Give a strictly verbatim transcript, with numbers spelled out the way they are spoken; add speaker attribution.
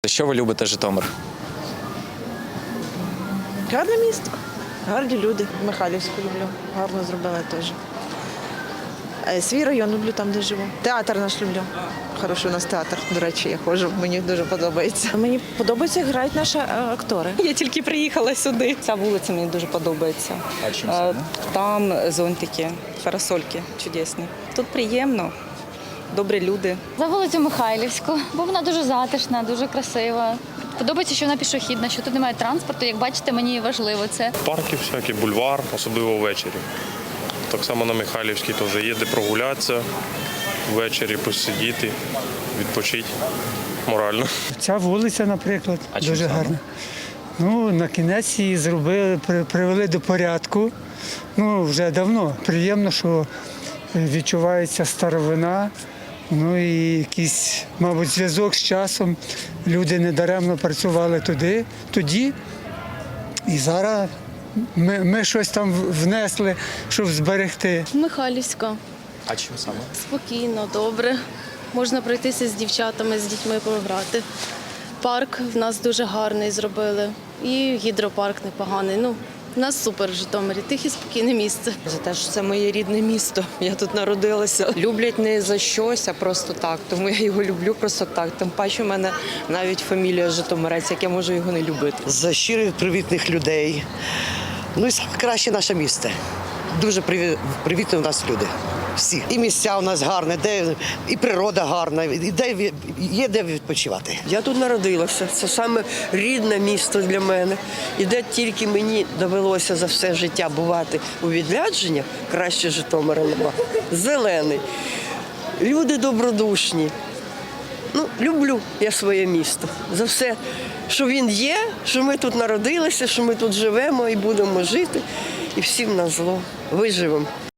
Speaker 1: Що ви любите Житомир?
Speaker 2: Гарне місто, гарні люди. Михайлівську люблю, гарно зробили теж. Е, Свій район люблю там, де живу. Театр наш люблю. Хороший у нас театр, до речі, я ходжу, мені дуже подобається. Мені подобається, як грають наші е, актори.
Speaker 3: Я тільки приїхала сюди. Ця вулиця мені дуже подобається.
Speaker 1: А чим
Speaker 3: Е,
Speaker 1: саме?
Speaker 3: Там зонтики, парасольки чудесні. Тут приємно, добрі люди.
Speaker 4: За вулицю Михайлівську, бо вона дуже затишна, дуже красива. Подобається, що вона пішохідна, що тут немає транспорту. Як бачите, мені важливо це.
Speaker 5: Парки всякі, бульвар, особливо ввечері. Так само на Михайлівській теж є де прогулятися, ввечері посидіти, відпочити морально.
Speaker 6: Ця вулиця, наприклад,
Speaker 1: А чим
Speaker 6: дуже
Speaker 1: саме?
Speaker 6: гарна. Ну, на кінець її зробили, при- привели до порядку. Ну, вже давно. Приємно, що відчувається старовина. Ну і якийсь, мабуть, зв'язок з часом. Люди недаремно працювали туди, тоді. І зараз ми, ми щось там внесли, щоб зберегти.
Speaker 7: Михайлівська.
Speaker 1: А чим саме?
Speaker 7: Спокійно, добре. Можна пройтися з дівчатами, з дітьми пограти. Парк в нас дуже гарний зробили. І гідропарк непоганий. Ну, в нас супер в Житомирі. Тихе, спокійне місце.
Speaker 8: За те, що це моє рідне місто. Я тут народилася. Люблять не за щось, а просто так. Тому я його люблю просто так. Тим паче в мене навіть фамілія Житомирець, як я можу його не любити.
Speaker 9: За щирих, привітних людей. Ну і краще наше місто. Дуже приві- привітні у нас люди. Всі. І місця у нас гарні, де і природа гарна, і де ві- є де відпочивати.
Speaker 10: Я тут народилася. Це саме рідне місто для мене. І де тільки мені довелося за все життя бувати у відрядженнях, краще Житомира нема. Зелений. Люди добродушні. Ну, люблю я своє місто. За все, що він є, що ми тут народилися, що ми тут живемо і будемо жити. І всім на зло виживемо.